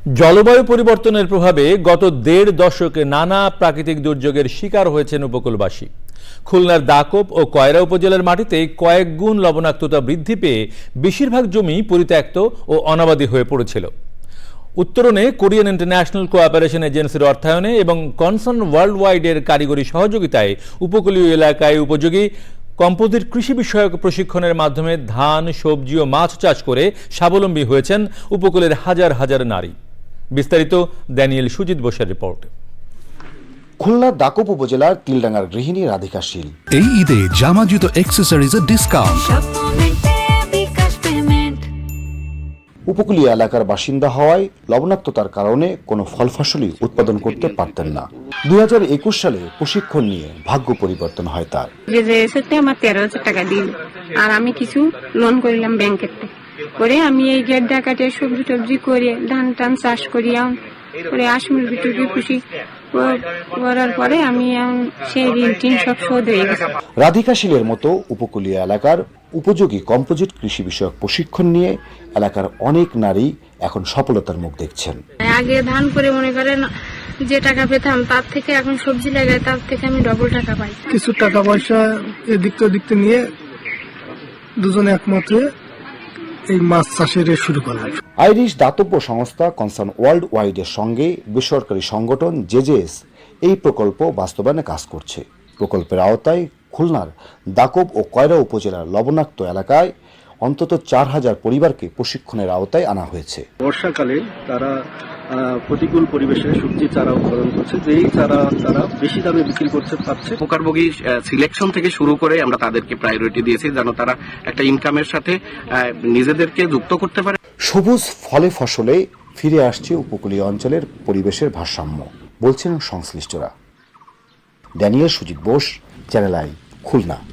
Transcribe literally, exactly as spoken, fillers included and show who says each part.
Speaker 1: জলবায়ু পরিবর্তনের প্রভাবে গত দেড় দশকে নানা প্রাকৃতিক দুর্যোগের শিকার হয়েছেন উপকূলবাসী। খুলনার দাকোপ ও কয়রা উপজেলার মাটিতে কয়েক গুণ লবণাক্ততা বৃদ্ধি পেয়ে বেশিরভাগ জমি পরিত্যক্ত ও অনাবাদী হয়ে পড়েছিল। উত্তরণে কোরিয়ান ইন্টারন্যাশনাল কোঅপারেশন এজেন্সির অর্থায়নে এবং কনসার্ন ওয়ার্ল্ড ওয়াইডের কারিগরি সহযোগিতায় উপকূলীয় এলাকায় উপযোগী কম্পোজিট কৃষি বিষয়ক প্রশিক্ষণের মাধ্যমে ধান, সবজি ও মাছ চাষ করে স্বাবলম্বী হয়েছেন উপকূলের হাজার হাজার নারী। বিস্তারিত ড্যানিয়েল সুজিত বোসের রিপোর্ট।
Speaker 2: খুলনার দাকোপ উপজেলার তিলডাঙ্গার গৃহিণী রাধিকা শীল
Speaker 3: এই ঈদে জামা জুতো অ্যাক্সেসরিজের ডিসকাউন্ট।
Speaker 2: উপকূলীয় এলাকার বাসিন্দা হওয়ায় লবণাক্ততার কারণে কোনো ফল ফসলই উৎপাদন করতে পারতেন না। দুই হাজার একুশ সালে প্রশিক্ষণ নিয়ে ভাগ্য পরিবর্তন হয় তার।
Speaker 4: আমার তেরো হাজার টাকা দিল, আর আমি কিছু লোন করিলাম ব্যাংকের করে আমি এই গেড্ডা কাটে সবজি টবজি করে ধান টান চাষ করি করে আসমুর বিটুকি খুশি করার পরে আমি সেই ঋণ টিন সব শোধ হয়ে গেছে।
Speaker 2: রাধিকা শীলের মতো উপকূলীয় এলাকার উপযোগী কম্পোজিট কৃষি বিষয়ক প্রশিক্ষণ নিয়ে এলাকার অনেক নারী এখন সফলতার মুখ দেখছেন।
Speaker 4: আগে ধান করে মনে করেন যে টাকা পেতাম তার থেকে এখন সবজি লাগাই তার থেকে আমি ডবল টাকা পাই।
Speaker 5: কিছু টাকা পয়সা এদিক তো দিকতে নিয়ে দুজনে একমত হয়ে এই মাছ চাষের শুরু করলাম।
Speaker 2: আইরিশ দাতব্য সংস্থা কনসার্ন ওয়ার্ল্ড ওয়াইডের সঙ্গে বেসরকারি সংগঠন জেজেএস এই প্রকল্প বাস্তবায়নে কাজ করছে। প্রকল্পের আওতায় খুলনার দাকোপ ও কয়রা উপজেলার লবণাক্ত এলাকায় অন্তত চার হাজার পরিবারকে প্রশিক্ষণের আওতায় আনা হয়েছে।
Speaker 6: বর্ষাকালে তারা প্রতিকূল পরিবেশে সবজি চারা উৎপাদন করছে, যেই চারা তারা বেশি দামে বিক্রি করতে পারছে।
Speaker 7: পোকারভোগী সিলেকশন থেকে শুরু করে আমরা তাদেরকে প্রায়োরিটি দিয়েছি যেন তারা একটা ইনকামের সাথে নিজেদেরকে যুক্ত করতে পারে।
Speaker 2: সবুজ ফলে ফসলে ফিরে আসছে উপকূলীয় অঞ্চলের পরিবেশের ভারসাম্য, বলছেন সংশ্লিষ্টরা। Daniel Sujit Bose, channel I, Khulna.